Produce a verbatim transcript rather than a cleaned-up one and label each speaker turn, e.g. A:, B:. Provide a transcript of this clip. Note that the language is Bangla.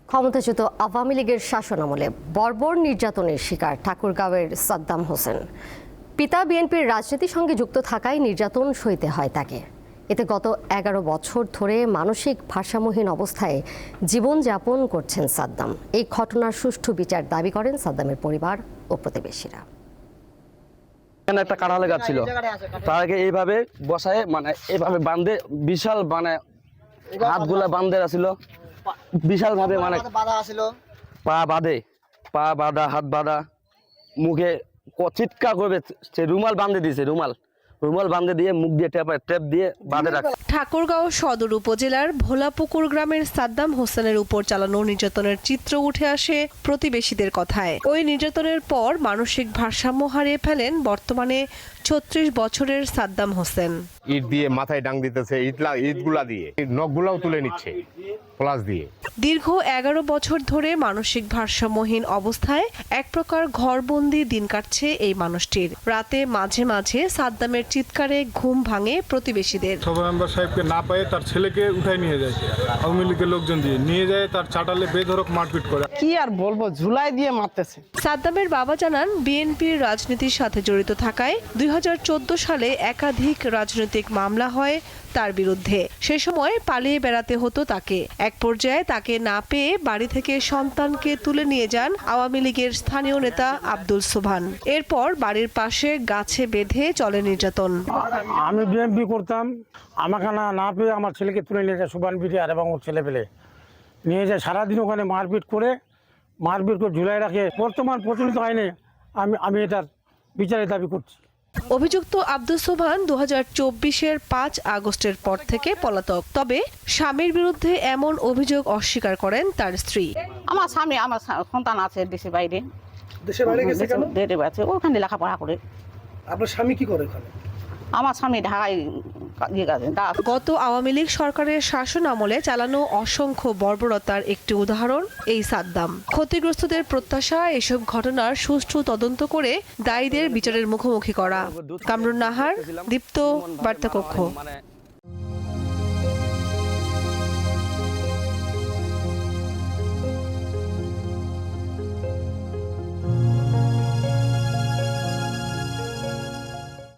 A: ক্ষমতাচ্যুত আওয়ামী লীগের শাসনামলে বর্বর নির্যাতনের শিকার ঠাকুরগাঁওয়ের সাদ্দাম হোসেন। পিতা বিএনপির রাজনীতির সঙ্গে যুক্ত থাকায় নির্যাতন সইতে হয় তাকে। এতে গত এগারো বছর ধরে মানসিক ভারসাম্যহীন অবস্থায় জীবনযাপন করছেন সাদ্দাম। এই ঘটনার সুষ্ঠু বিচার দাবি করেন সাদ্দামের পরিবার ও প্রতিবেশীরা।
B: একটা কাঁঠালে গাছ ছিল, তাকে এইভাবে বসায় মানে এইভাবে বান্ধে বিশাল মানে হাতগুলা বান্ধে ছিল বিশাল ভাবে, মানে পা বাঁধে পা বাঁধা হাত বাঁধা, মুখে চিৎকার করবে, সে রুমাল বাঁধে দিয়েছে, রুমাল রুমাল বাঁধে দিয়ে মুখ দিয়ে টেপ টেপ দিয়ে বাঁধে রাখে।
C: ঠাকুরগাঁও সদর উপজেলার ভোলাপুকুর গ্রামের সাদ্দাম হোসেনের উপর চালানো নির্যাতনের চিত্র উঠে আসে প্রতিবেশীদের কথায়। ওই নির্যাতনের পর মানসিক ভারসাম্য হারিয়ে ফেলেন বর্তমানে ছত্রিশ বছরের সাদ্দাম হোসেন।
D: ইট দিয়ে মাথায় ডাং দিতেছে, ইটলা ইটগুলা দিয়ে নখগুলাও তুলে নিচ্ছে প্লাস দিয়ে।
C: দীর্ঘ এগারো বছর ধরে মানসিক ভারসাম্যহীন অবস্থায় এক প্রকার ঘরবন্দি দিন কাটছে এই মানুষটির। রাতে মাঝে মাঝে সাদ্দামের চিৎকারে ঘুম ভাঙে প্রতিবেশীদের।
E: সভা মেম্বার সাহেবকে না পেয়ে তার ছেলেকে উঠায় নিয়ে যায়, আওয়ামী লীগের লোকজন দিয়ে নিয়ে যায়, তার চাটালে বেধড়ক মারপিট করে।
F: কি আর বলবো, ঝুলাই দিয়ে মারতেছে।
C: সাদ্দামের বাবা জানান, বিএনপির রাজনীতির সাথে জড়িত থাকায় দুই হাজার চোদ্দ সালে একাধিক রাজনৈতিক মামলা হয় তার বিরুদ্ধে। সে সময় পালিয়ে বেড়াতে হতো তাকে। এক পর্যায়ে তাকে না পেয়ে বাড়ি থেকে সন্তানকে তুলে নিয়ে যান আওয়ামী লীগের স্থানীয় নেতা আব্দুল সোবহান। এরপর বাড়ির পাশে গাছে বেঁধে চলে নির্যাতন।
G: আমি বিএনপি করতাম, আমাকে না না পেয়ে আমার ছেলেকে তুলে নিয়ে যায় সোবহান বিরিয়ার এবং ওর ছেলে পেলে নিয়ে যায়, সারাদিন ওখানে মারপিট করে মারপিট করে ঝুলাই রাখে। বর্তমান প্রচলিত আইনে আমি আমি এটার বিচারের দাবি করছি।
C: অভিযুক্ত আব্দুল সোবহান দু হাজার চব্বিশের পাঁচ আগস্টের পর থেকে পলাতক। তবে স্বামীর বিরুদ্ধে এমন অভিযোগ অস্বীকার করেন তার স্ত্রী।
F: আমার স্বামী, আমার সন্তান আছে দেশের বাইরে।
H: দেশের বাইরে গেছে কেন?
F: দেশে আছে, ওখানে লেখাপড়া করে।
H: আপনার স্বামী কি করে ওখানে?
F: আমার স্বামী ঢাকায় ইয়ে কাজে।
C: গত আওয়ামী লীগ সরকারের শাসন আমলে চালানো অসংখ্য বর্বরতার একটি উদাহরণ এই সাদ্দাম। ক্ষতিগ্রস্তদের প্রত্যাশা এসব ঘটনার সুষ্ঠু তদন্ত করে দায়ীদের বিচারের মুখোমুখি করা। কামরুন নাহার, দীপ্ত, বার্তা কক্ষ।